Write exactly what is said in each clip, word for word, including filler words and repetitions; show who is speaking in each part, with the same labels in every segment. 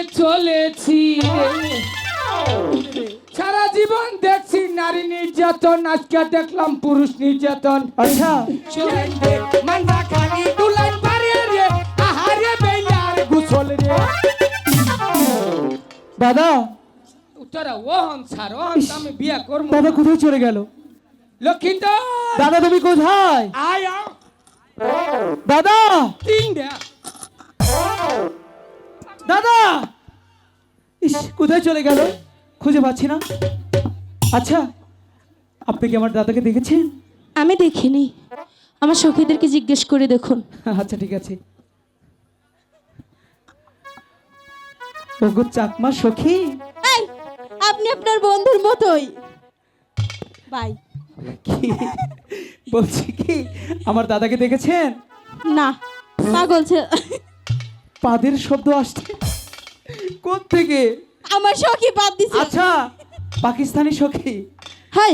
Speaker 1: চলেছি রে। সারা জীবন দেখছি নারী নির্যাতন, আজকে দেখলাম পুরুষ নির্যাতন।
Speaker 2: আচ্ছা
Speaker 1: মান্দা খালি দুলাই পারে রে, আহারে বেলার গোসল রে।
Speaker 2: দাদা
Speaker 1: তোরা ওহন ছাড়, ওহন তো আমি বিয়া করবো।
Speaker 2: দাদা কোথায় চলে গেল?
Speaker 1: লক্ষিন্দর
Speaker 2: দাদা তুমি কোথায়?
Speaker 1: আয় আয়।
Speaker 2: দাদা
Speaker 1: তিন দে
Speaker 2: দাদা ইস কোথায় চলে গেল? খুঁজে পাচ্ছি না। আচ্ছা আপনি কি আমার দাদাকে দেখেছেন?
Speaker 3: আমি দেখিনি, আমার সখীদেরকে জিজ্ঞেস করে দেখুন।
Speaker 2: আচ্ছা ঠিক আছে। ওগো চাকমা সখী,
Speaker 3: এই, আপনি আপনার বন্ধুর মতোই বাই।
Speaker 2: কি বলছি কি আমার দাদাকে দেখেছেন?
Speaker 3: না পাগল ছে-
Speaker 2: পাদের শব্দ আসছে কোথা থেকে?
Speaker 3: আমার সখী বাদ দিছে।
Speaker 2: আচ্ছা পাকিস্তানি সখী,
Speaker 3: হাই,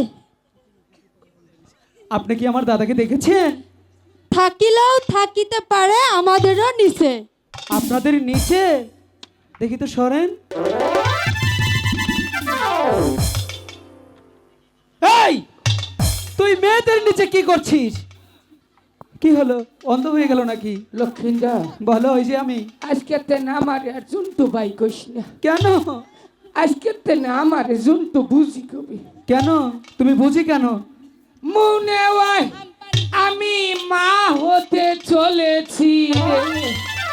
Speaker 2: আপনি কি আমার দাদাকে দেখেছেন?
Speaker 3: থাকিলেও থাকিতে পারে আমাদেরও নিচে।
Speaker 2: আপনাদের নিচে? দেখি তো সরেন। এই তুই মেয়েদের নিচে কি করছিস? কি হলো, অন্ধ হয়ে গেল নাকি?
Speaker 1: লক্ষিন্দর
Speaker 2: বলো ওই যে আমি।
Speaker 1: আজকে তে না আমার আর জন্তু ভাই কইস না।
Speaker 2: কেন
Speaker 1: আজকে তে না আমার জন্তু বুঝি কবি।
Speaker 2: কেন তুমি বুঝি কেন?
Speaker 1: মনে হয় আমি মা হতে চলেছি রে।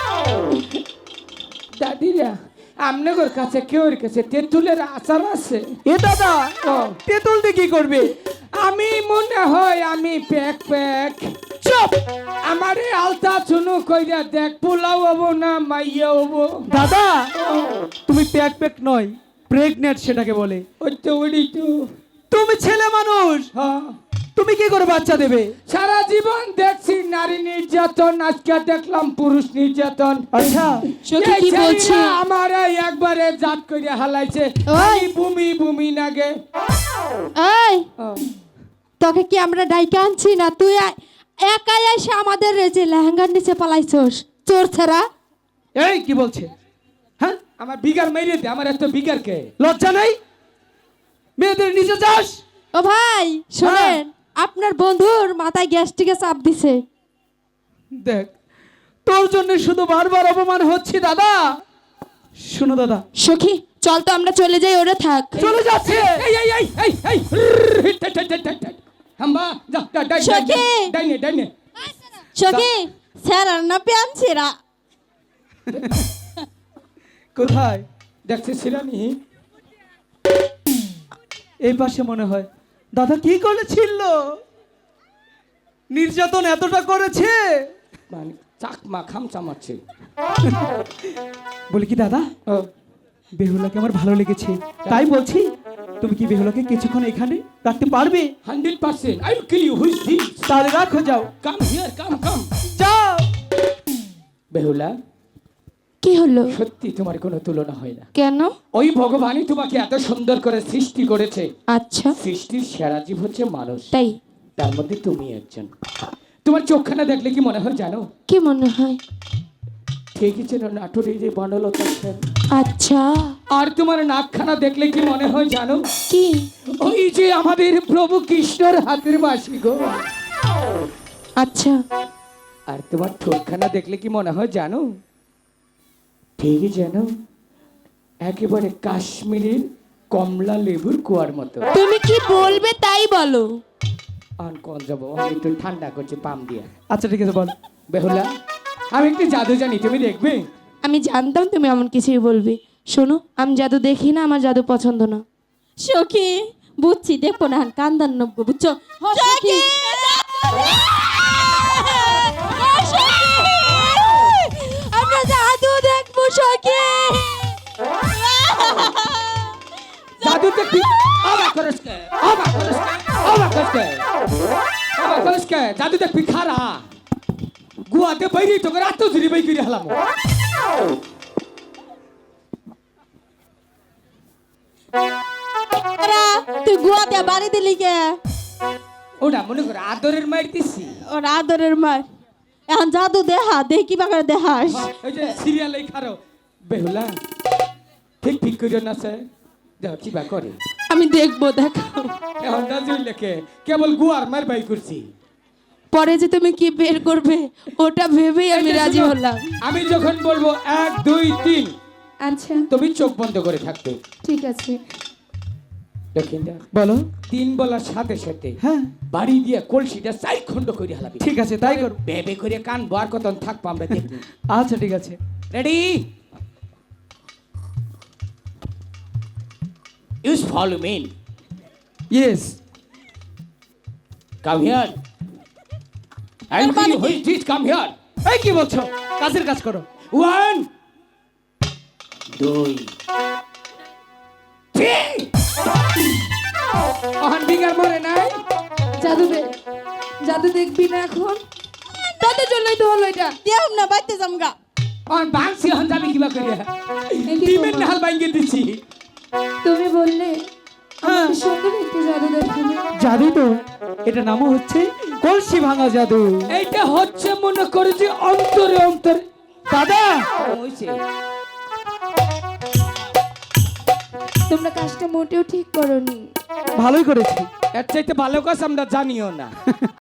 Speaker 1: দাদিরা আমনগর কাছে কেউর কাছে তেঁতুলের আচার আছে?
Speaker 2: এ দাদা
Speaker 1: ও,
Speaker 2: তেঁতুল দিয়ে কি করবে?
Speaker 1: আমি মনে হয় আমি প্যাক প্যাক চুপ আমারে আলতা চুনু কইরা দেখ, পোলাও হবো না মাইয়া হবো।
Speaker 2: দাদা তুমি প্যাক প্যাক নয়, প্রেগনেন্ট সেটাকে বলে।
Speaker 1: ওই তো ওই তো
Speaker 2: তুমি ছেলে মানুষ,
Speaker 1: হ্যাঁ।
Speaker 2: তুমি কি করে বাচ্চা দেবে?
Speaker 1: সারা জীবন দেখছি নারী নির্যাতন, আজকে দেখলাম পুরুষ নির্যাতন।
Speaker 2: আচ্ছা
Speaker 3: সখী কি বলছে?
Speaker 1: আমার একবারে জাত করে হালাইছে,
Speaker 3: ওই!
Speaker 1: বুমি বুমি নাগে।
Speaker 3: এই
Speaker 1: ও,
Speaker 3: তোকে কি আমরা ডাইকে আনছি না? তুই আ- একাই এসে আমাদের রেজে লেহেঙ্গার নিচে পালাইছস, চোর ছাড়া।
Speaker 2: এই কি বলছে? হ্যাঁ
Speaker 1: আমার বিগার মেরে দে, আমার এত বিগার কে?
Speaker 2: লজ্জা নাই? মেয়েদের নিচে যাস?
Speaker 3: ও ভাই শোনেন, আপনার বন্ধুর মাথায় গ্যাস্ট্রিকে চাপ দিছে।
Speaker 2: দেখ তোর জন্য শুধু বারবার অপমান হচ্ছে দাদা। শোনো দাদা,
Speaker 3: সখী চল তো আমরা চলে যাই, ওরে থাক।
Speaker 2: চলে যাচ্ছে।
Speaker 1: এই এই এই এই এই হাম্বা যা যা ডাই
Speaker 3: সখী!
Speaker 1: ডাই নে ডাই নে।
Speaker 3: সখী স্যার না পেয়ানছিরা।
Speaker 2: কোথায়?
Speaker 1: দেখছিস শিরানি?
Speaker 2: এই পাশে মনে হয়। দাদা কি করেছিল? নির্যাতন এতটা করেছে?
Speaker 1: মানে চাকমা খামচা মারছে।
Speaker 2: বলি কি দাদা,
Speaker 1: ও,
Speaker 2: বেহুলাকে আমার ভালো লেগেছে, তাই বলছি তুমি কি বেহুলাকে কিছুক্ষণ এখানে রাখতে পারবে?
Speaker 1: Hundred percent I will kill you. Who's this?
Speaker 2: তাহলে রাখো, যাও
Speaker 1: কাম হিয়ার, কাম কাম।
Speaker 2: যাও।
Speaker 1: বেহুলা,
Speaker 3: কি হলো?
Speaker 1: সত্যি তোমার কোনো তুলনা হয় না।
Speaker 3: কেন?
Speaker 1: ওই ভগবানই তোমাকে এত সুন্দর করে সৃষ্টি করেছে।
Speaker 3: আচ্ছা
Speaker 1: সৃষ্টির সেরা জীব হচ্ছে মানুষ,
Speaker 3: তাই?
Speaker 1: তার মধ্যে তুমি একজন। তোমার চোখখানা দেখলে কি মনে হয় জানো?
Speaker 3: কি মনে হয়?
Speaker 1: ঠিকই ছিল নাটুরি যে বনলতা সেন।
Speaker 3: আচ্ছা
Speaker 1: আর তোমার নাকখানা দেখলে কি মনে হয় জানো?
Speaker 3: কি?
Speaker 1: ওই যে আমাদের প্রভু কৃষ্ণর হাতের বাসি গো।
Speaker 3: আচ্ছা
Speaker 1: আর তোমার ঠোঁটখানা দেখলে কি মনে হয় জানো? ঠিকই জানো, একেবারে কাশ্মীরের কমলা লেবুর কুয়ার মতো।
Speaker 3: তুমি কি বলবে তাই বলো।
Speaker 1: আন কল যাবো, আমি একটু ঠান্ডা করছি পাম দিয়ে।
Speaker 2: আচ্ছা ঠিক আছে বল।
Speaker 1: বেহুলা, আমি একটু জাদু জানি, তুমি দেখবে?
Speaker 3: আমি জানতাম তুমি এমন কিছুই বলবে। শোনো, আমি জাদু দেখি না, আমার জাদু পছন্দ না। সখী বুঝছি, দেখো না কান্দান নব্য, বুঝছো? সখী আমরা জাদু দেখবো। সখী
Speaker 1: জাদু দেখবি? অবাক করিস কে? অবাক করিস কে? অবাক করিস কে? অবাক করিস কে? জাদু দেখবি খারা গুয়াতে বাইরে তোকে রাত ধরে বাই করে হলাম।
Speaker 3: তুই গুয়াতে বাড়ি দিলি কে?
Speaker 1: ওটা মনে করে আদরের মার দিছি।
Speaker 3: ওর আদরের মার। এখন জাদু দেহা, দেখি বাগারে দেহাস।
Speaker 1: ওই যে সিরিয়াল এই খারো। বেহুলা, ঠিক ঠিক করে নাচে দেখ কি বা করে
Speaker 3: আমি দেখবো, দেখাও।
Speaker 1: এখন নাচুই লেখে কেবল গুয়ার মার বাই করছি
Speaker 3: পরে যে তুমি কি বের করবে ওটা ভেবেই আমি
Speaker 1: এই যে
Speaker 3: রাজি
Speaker 1: শোনো,
Speaker 3: হলাম।
Speaker 1: আমি যখন বলবো এক দুই তিন
Speaker 3: আচ্ছা
Speaker 1: তুমি চোখ বন্ধ করে থাকবে
Speaker 3: ঠিক আছে।
Speaker 1: দক্ষিণটা
Speaker 2: বলো।
Speaker 1: তিন বলার সাথে সাথে
Speaker 2: হ্যাঁ
Speaker 1: বাড়ি দিয়ে কলসিটা চাই খণ্ড করে হালাবি
Speaker 2: ঠিক আছে তাই করো।
Speaker 1: বেবে করে কান বার কতন থাকবো আমরা দেখি
Speaker 2: আচ্ছা ঠিক আছে।
Speaker 1: Ready use follow me
Speaker 2: yes.
Speaker 1: Come here I will which this come here
Speaker 2: এই কি বলছো? কাজের কাজ করো।
Speaker 1: ওয়ান দুই তিন অহন বিগার মরে নাই
Speaker 3: জাদু দে, জাদু দেখবি না এখন? তাদের জন্যই তো হলো এটা। দেও না বাইতে জামগা।
Speaker 1: অহন বাংসি হন যাবি কিবা করিয়া
Speaker 3: এই কি
Speaker 1: টিমের
Speaker 3: করবো?
Speaker 1: নাহাল বাইঙ্গে দিছি
Speaker 3: তুমি বললে
Speaker 2: হ্যাঁ
Speaker 3: কি সুন্দর একটি জাদু দেখাবে।
Speaker 2: জাদু তো, এটা নামও হচ্ছে কলসি ভাঙা জাদু।
Speaker 1: এইটা হচ্ছে মনে করে যে অন্তরে অন্তরে
Speaker 2: দাদা
Speaker 1: হইছে
Speaker 3: তোমরা কাজটা মোটেও ঠিক করোনি।
Speaker 2: ভালোই করেছি।
Speaker 1: এর চাইতে ভালো কাজ আমরা জানিও না